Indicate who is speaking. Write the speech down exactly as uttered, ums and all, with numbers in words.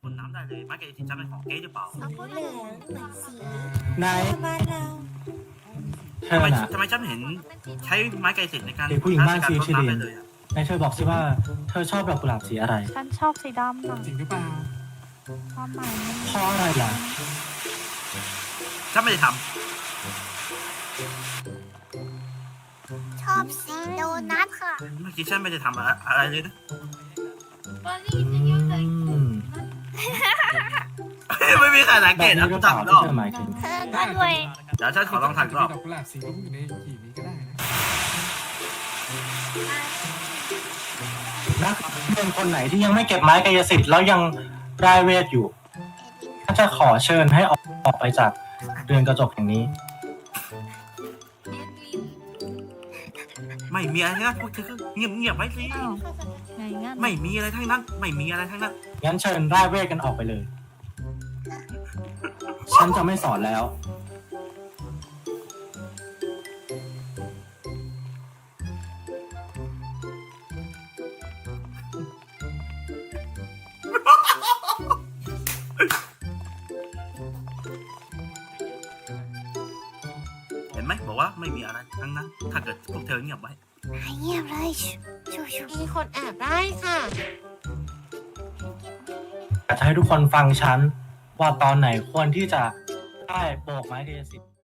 Speaker 1: พ่นน้ำได้เลยไม้กายสิทธิ์จะเป็นของเก๊หรือเปล่า
Speaker 2: สีเหลืองเหมือนสี
Speaker 3: นาย
Speaker 2: บ้านเรา
Speaker 3: เธอ
Speaker 1: ทำไม
Speaker 3: น่ะ
Speaker 1: ทำไมฉันเห็นใช้ไม้กายสิทธิ์ในการ
Speaker 3: เด็กผู้หญิงบ้าน
Speaker 1: การ
Speaker 3: ชื่อ
Speaker 1: พ่น
Speaker 3: ชิริน
Speaker 1: น้ำได้เลยอะ
Speaker 3: นายเธอบอกสิว่าเธอชอบดอกกุหลาบสีอะไร
Speaker 4: ฉันชอบสีดำน่ะ
Speaker 5: จริงหรือเปล่า
Speaker 4: ความหมายมัน
Speaker 3: เพราะอะไรล่ะ
Speaker 1: ฉันไม่ได้ท
Speaker 2: ชอบสีโดนัทค่ะ
Speaker 1: ำเมื่อกี้ฉันไม่ได้ทำอะไรอะไรเลยนะ
Speaker 3: อืม
Speaker 1: ไม่มีใครสัง
Speaker 3: แบ
Speaker 1: เก
Speaker 3: บ
Speaker 1: ต
Speaker 3: นี้
Speaker 1: นะ
Speaker 3: หรื
Speaker 1: กู
Speaker 3: อเปล่า
Speaker 1: ทำร
Speaker 3: ที่
Speaker 1: อบ
Speaker 3: เธอหมายถึง
Speaker 2: เธอก็ด้วย
Speaker 1: เดี๋ยวฉันขอลองทำรอบ
Speaker 5: ดอกกุหลาบสีรุ้งอยู่ในหีบนี้ก็ได้นะ
Speaker 3: นักเรียนคนไหนที่ยังไม่เก็บไม้กายสิทธิ์แล้วยังร่ายเวทอยู่ก็จะขอเชิญให้ออกออกไปจากเรือนกระจกแห่งนี้
Speaker 1: ไม่มีอะไรทั้งนั้นพวกเธอก็เงียบเงียบๆไว้สิ
Speaker 4: อ้าวไงงั้น
Speaker 1: ไม่มีอะไรทั้งนั้น ไม่มีอะไรทั้งนั้น
Speaker 3: งั้นเชิญร่ายเวทกันออกไปเลย ฉันจะไม่สอนแล้ว
Speaker 1: เห็นไหมบอกว่าไม่มีอะไรทั้งนั้น ถ้าเกิดพวกเธอเงียบไว้
Speaker 2: ให้เงียบเลยชูชู
Speaker 6: มีคนแอบได้ค่ะ
Speaker 3: อยากจะให้ทุกคนฟังฉันว่าตอนไหนควรที่จะได้โบกไม้กายสิทธิ์